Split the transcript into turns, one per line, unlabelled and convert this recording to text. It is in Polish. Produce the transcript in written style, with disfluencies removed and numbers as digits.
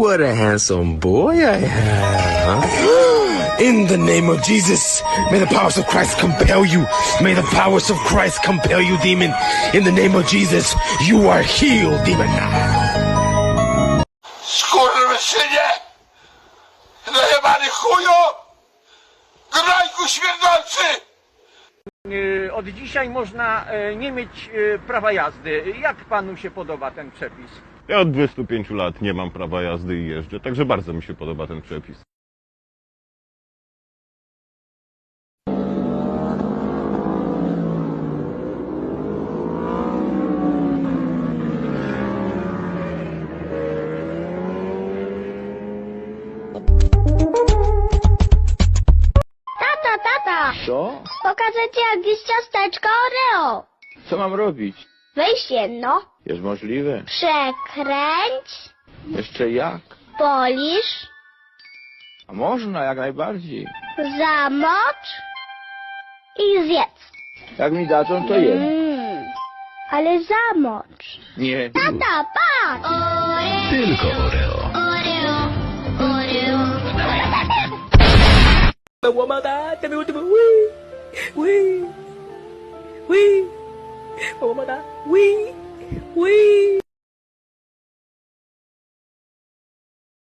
What a handsome boy I have, huh? In the name of Jesus, may the powers of Christ compel you. May the powers of Christ compel you, demon. In the name of Jesus, you are healed, demon.
Skurwysynie! Najebany chuju! Grajku śmierdzący!
Od dzisiaj można nie mieć prawa jazdy. Jak panu się podoba ten przepis?
Ja od 25 lat nie mam prawa jazdy i jeżdżę, także bardzo mi się podoba ten przepis.
Tata!
Co?
Pokażę ci jak jest ciasteczko Oreo.
Co mam robić?
Weź jedno,
Jest możliwe?
przekręć,
Jeszcze jak?
polisz,
A można, jak najbardziej.
zamocz i zjedz.
Jak mi dadzą, to jem.
Ale zamocz.
Nie.
Tata, patrz!
Tylko Oreo.
Łamada, te były, łamada,